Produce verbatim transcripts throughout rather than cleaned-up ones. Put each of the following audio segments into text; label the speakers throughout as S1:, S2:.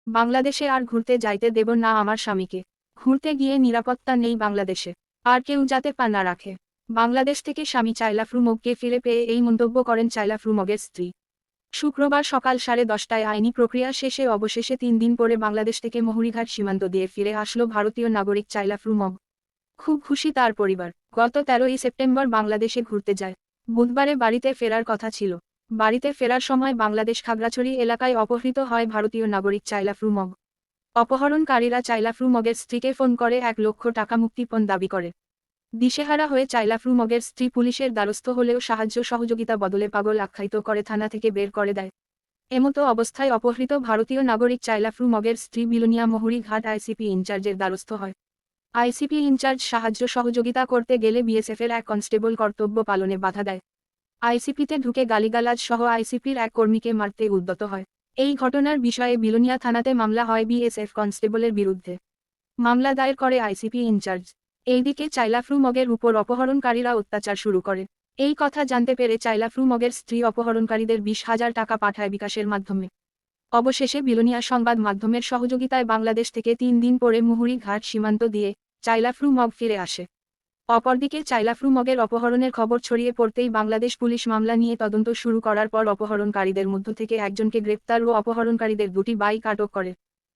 S1: বাংলাদেশে আর ঘুরতে যাইতে দেব না আমার স্বামীকে। ঘুরতে গিয়ে নিরাপত্তা নেই বাংলাদেশে, আর কেউ যাতে পা না রাখে। বাংলাদেশ থেকে স্বামী চাইলা ফ্রুমগকে ফিরে পেয়ে এই মন্তব্য করেন চাইলা ফ্রুমগের স্ত্রী। শুক্রবার সকাল সাড়ে দশটায় আইনি প্রক্রিয়া শেষে অবশেষে তিন দিন পরে বাংলাদেশ থেকে মহুরীঘাট সীমান্ত দিয়ে ফিরে আসলো ভারতীয় নাগরিক চাইলা ফ্রুমগ। খুব খুশি তার পরিবার। গত তেরোই সেপ্টেম্বর বাংলাদেশে ঘুরতে যায়। বুধবারে বাড়িতে ফেরার কথা ছিল। বাড়িতে ফেরার সময় বাংলাদেশ খাগড়াছড়ি এলাকায় অপহৃত হয় ভারতীয় নাগরিক চাইলা ফ্রুমগ। অপহরণকারীরা চাইলা ফ্রুমগের স্ত্রীকে ফোন করে এক লক্ষ টাকা মুক্তিপণ দাবি করে। দিশেহারা হয়ে চাইলা ফ্রুমগের স্ত্রী পুলিশের দ্বারস্থ হলেও সাহায্য সহযোগিতা বদলে পাগল আখ্যায়িত করে থানা থেকে বের করে দেয়। এমতো অবস্থায় অপহৃত ভারতীয় নাগরিক চাইলা ফ্রুমগের স্ত্রী বিলোনিয়া মহুরীঘাট আইসিপি ইনচার্জের দ্বারস্থ হয়। আইসিপি ইনচার্জ সাহায্য সহযোগিতা করতে গেলে বিএসএফের এক কনস্টেবল কর্তব্য পালনে বাধা দেয়। আইসিপিতে ঢুকে গালিগালাজ সহ আইসিপির এক কর্মীকে মারতে উদ্যত হয়। এই ঘটনার বিষয়ে বিলোনিয়া থানাতে মামলা হয় বিএসএফ কনস্টেবলের বিরুদ্ধে। মামলা দায়ের করে আইসিপি ইনচার্জ। এইদিকে চাইলা ফ্রুমগের উপর অপহরণকারীরা অত্যাচার শুরু করে। এই কথা জানতে পেরে চাইলা ফ্রুমগের স্ত্রী অপহরণকারীদের বিশ হাজার টাকা পাঠায় বিকাশের মাধ্যমে। অবশেষে বিলোনিয়া সংবাদ মাধ্যমের সহযোগিতায় বাংলাদেশ থেকে তিন দিন পরে মহুরীঘাট সীমান্ত দিয়ে চাইলা ফ্রুমগ ফিরে আসে। অপরদিকে চাইলা ফ্রুমগের অপহরণের খবর ছড়িয়ে পড়তেই বাংলাদেশ পুলিশ মামলা নিয়ে তদন্ত শুরু করার পর অপহরণকারীদের মধ্য থেকে একজনকে গ্রেপ্তার ও অপহরণকারীদের দুটি বাইক আটক করে।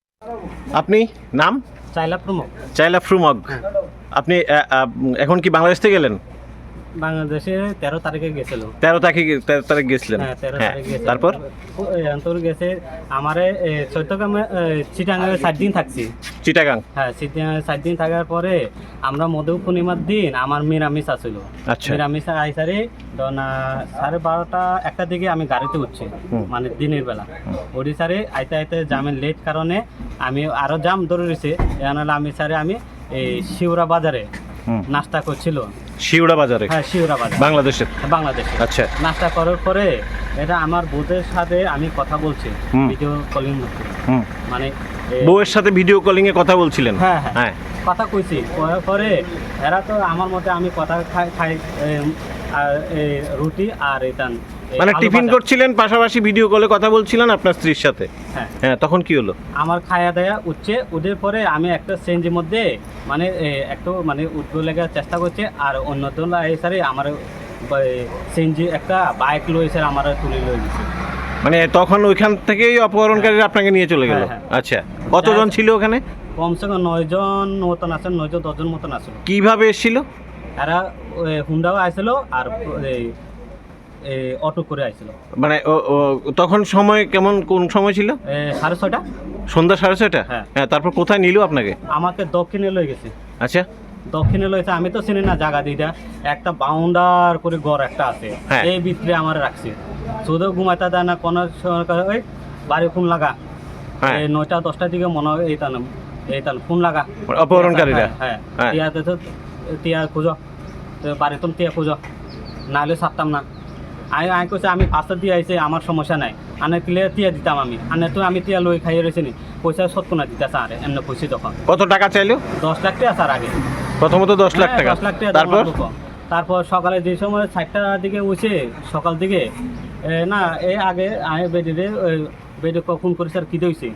S2: আপনি নাম?
S3: চাইলা ফ্রুমগ।
S2: চাইলা ফ্রুমগ। আপনি এখন কি বাংলাদেশ থেকে গেলেন?
S3: বাংলাদেশে তেরো তারিখে গেছিল।
S2: তেরো তারিখে তেরো তারিখ গেছিলেন?
S3: হ্যাঁ, তেরো
S2: হ্যাঁ,
S3: তারিখে গেছিল।
S2: তারপর
S3: তোর গেছে আমারে চৈত্যগ্রামে চিটাগাঙে সাত দিন থাকছি।
S2: চিটাগাং?
S3: হ্যাঁ, চিটাগাঙে সাত দিন থাকার পরে আমরা মধু পূর্ণিমার দিন আমার নিরামিষ আসছিল।
S2: আচ্ছা।
S3: নিরামিষ আইসারে না সাড়ে বারোটা একটা দিকে আমি গাড়িতে উঠছি, মানে দিনের বেলা ওড়িশারে আইতে আইতে জামের লেট কারণে আমি আরো জাম ধরে রয়েছে। এনালে আমি সারে আমি এই শিউরা বাজারে নাস্তা করছিল।
S2: শিউরা বাজারে?
S3: হ্যাঁ, শিউরা বাজার,
S2: বাংলাদেশের।
S3: বাংলাদেশে।
S2: আচ্ছা।
S3: নাস্তা করার পরে এটা আমার বউদের সাথে আমি কথা বলছি ভিডিও কলিং মধ্যে, মানে
S2: বউয়ের সাথে ভিডিও কলিং এ কথা বলছিলেন?
S3: হ্যাঁ হ্যাঁ, কথা কইছি। পরে এরা তো আমার মতে আমি কথা খাই খাই রুটি আর এটা
S2: মানে টিফিন করছিলেন, পাশাপাশি ভিডিও কলে কথা বলছিলেন আপনার স্ত্রীর সাথে? হ্যাঁ হ্যাঁ। তখন কি হলো?
S3: আমার খায়া দায়া উঠছে, উঠের পরে আমি একটা সেঞ্জির মধ্যে মানে একটু মানে উঠতে লেগে চেষ্টা করছে, আর অন্য দল এসে আমার সেঞ্জি একটা বাইক লয়েছে আমার তুলে লয়ে গেছে।
S2: মানে তখন ওইখান থেকেই অপহরণকারীরা আপনাকে নিয়ে চলে গেল? আচ্ছা। কতজন ছিল ওখানে?
S3: কমসে কম নয় জন মতন আছে, নয় জন দশ জন মতন আসলো।
S2: কিভাবে এসেছিল
S3: এরা? হুন্ডাও আসলো আর অটো করে আসছিল।
S2: মানে তখন সময় কেমন, কোন সময় ছিল?
S3: সাড়ে ছয়টা,
S2: সন্ধ্যা সাড়ে ছয়টা।
S3: হ্যাঁ।
S2: তারপর কোথায় নিল আপনাকে?
S3: আমাকে দক্ষিণে লয়ে গেছে।
S2: আচ্ছা। দক্ষিণে
S3: লয়েছে, আমি তো চিনি না জায়গা দিটা। একটা বাউন্ডার করে ঘর একটা আছে, এই ভিতরে আমার রাখছে। শুধু ঘুমাইতে দেয় না কোনো ওই বাড়ি ফোন লাগা। এই নয়টা দশটার দিকে মনে হয় এই তান এই তান ফোন লাগা
S2: অপহরণকারীরা।
S3: হ্যাঁ, টিয়াতে তো টিয়া খুঁজো, বাড়ি তুমি টিয়া খুঁজো, নাহলে ছাড়তাম না। আমি আমি কইছে আমি পাঁচটা দিয়ে আইছে, আমার সমস্যা নাই, আনে ক্লিয়ার টিয়া দিতাম আমি। আনে তো আমি টিয়া লই খাইয়ে রয়েছি নি, পয়সা সত্য না দিতেছে আরে এমনি খুশি। তখন
S2: কত টাকা চাইলো?
S3: দশ লাখ টাকা স্যার আগে,
S2: প্রথমত দশ লাখ টাকা।
S3: দশ লাখ টাকা। তারপর তারপর সকালে যে সময় চারটার দিকে উঠছে, সকাল দিকে না এই আগে আমি বেডিরে বেডে ফোন করি, স্যার কী হয়েছে?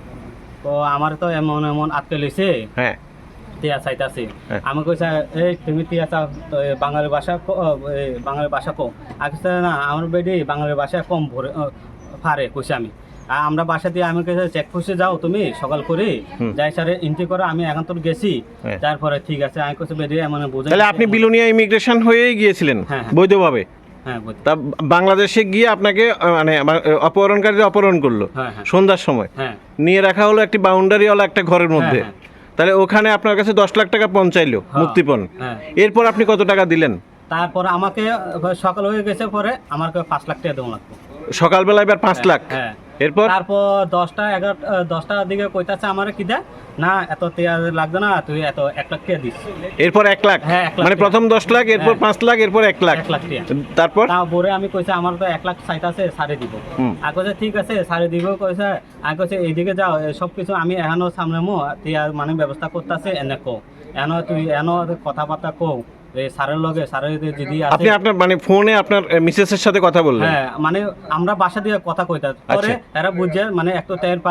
S3: তো আমার তো এমন এমন আটকে লইছে। হ্যাঁ, টিয়া চাইতাছে। আমি কইছে এই তুমি টিয়া চাও বাঙালি ভাষা, বাঙালি ভাষা কম। আগে না আমার বেডে বাঙালি ভাষা কম ভরে পারে কইছে আমি। আমরা বাসা দিয়ে আমি কেছে চেকপোস্টে যাও তুমি সকাল করে, যাই স্যার এন্ট্রি করো, আমি এখন তো গেছি। তারপরে ঠিক আছে আমি কইছে বেডে মানে বুঝে।
S2: তাহলে আপনি বিলোনিয়া ইমিগ্রেশন হয়েই গিয়েছিলেন বৈধভাবে?
S3: হ্যাঁ।
S2: তা বাংলাদেশে গিয়ে আপনাকে মানে অপহরণকারীরা অপহরণ করলো সন্ধ্যার সময়, নিয়ে রাখা হলো একটি বাউন্ডারিওয়ালা একটা ঘরের মধ্যে। তাহলে ওখানে আপনার কাছে দশ লাখ টাকা পৌঁছাইলো মুক্তিপণ। এরপর আপনি কত টাকা দিলেন?
S3: তারপর আমাকে সকাল হয়ে গেছে, পরে আমাকে পাঁচ লাখ টাকা দেওয়া লাগবে
S2: সকালবেলা। এবার পাঁচ লাখ।
S3: হ্যাঁ।
S2: এরপর
S3: তারপর দশটা এগারো দশটার দিকে কইতাছে আমার কি দা না এত টিয়া লাগবে না, তুই এত এক লাখ টাকা দিস।
S2: এরপর এক লাখ?
S3: হ্যাঁ,
S2: মানে প্রথম দশ লাখ, এরপর পাঁচ লাখ, এরপর এক লাখ।
S3: এক লাখ টাকা।
S2: তারপর
S3: পরে আমি কইছে আমার তো এক লাখ চাইতাছে, সারে দিব। আর কইছে ঠিক আছে সারে দিব। কইছে আর কইছে এইদিকে যাও, সব কিছু আমি এখনো সামনে মো টিয়া মানে ব্যবস্থা করতেছে, এনে কো এন তুই এন কথাবার্তা কও স্যারের লগে। স্যারের যদি
S2: আপনি আপনার মানে ফোনে আপনার মিসেস এর সাথে কথা বললেন?
S3: হ্যাঁ, মানে আমরা বাসা দিয়ে কথা কইতা, পরে এরা বুঝে মানে একটু টের পায়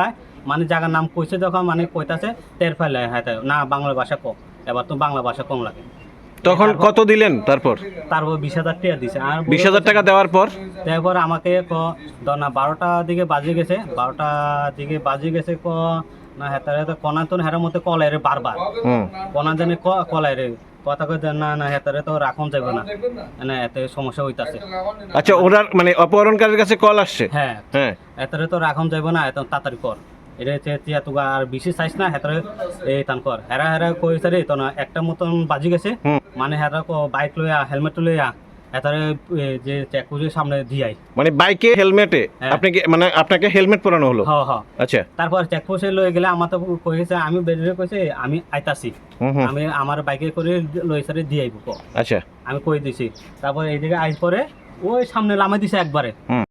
S3: মানে জায়গার নাম কইছে যখন মানে কইতাছে টের ফেলে হ্যাঁ তাই, না বাংলা ভাষা কম, এবার তো বাংলা ভাষা কম লাগে।
S2: তখন কত দিলেন তারপর?
S3: তারপর বিশ হাজার টাকা দিছে। আর
S2: বিশ হাজার টাকা দেওয়ার পর
S3: তারপর আমাকে ক না বারোটা দিকে বাজে গেছে, বারোটা দিকে বাজে গেছে ক না হেতারে তো কনা তো হেরার মধ্যে কলাই রে বারবার
S2: হুম
S3: কনা জানে ক কলাই রে কথা কই না না হেতারে তো রাখুন যাবে না, না এতে সমস্যা হইতাছে।
S2: আচ্ছা, ওনার মানে অপহরণকারীর কাছে কল আসছে?
S3: হ্যাঁ
S2: হ্যাঁ।
S3: এতারে তো রাখুন যাবে না, এত তাড়াতাড়ি কর, এটা হচ্ছে তিয়া তুগা আর বেশি চাইছ না হেতারে এই তান কর। হেরা হেরা কইছে রে তো না একটা মতন বাজি গেছে,
S2: হুম।
S3: মানে হেরা বাইক লইয়া হেলমেট লইয়া হেতারে যে চেকপোস্টের সামনে দিয়াই,
S2: মানে বাইকে হেলমেটে
S3: হ্যাঁ।
S2: আপনি কি মানে আপনাকে হেলমেট পরানো হলো?
S3: হ হ
S2: আচ্ছা।
S3: তারপর চেকপোস্টে লয়ে গেলে আমার তো কইছে আমি বেরিয়ে কইছে আমি আইতাছি,
S2: হুম হুম।
S3: আমি আমার বাইকে করে লই সারে দিয়ে আইব ক,
S2: আচ্ছা।
S3: আমি কই দিছি। তারপর এইদিকে আইস পরে ওই সামনে লামে দিছে একবারে,
S2: হুম।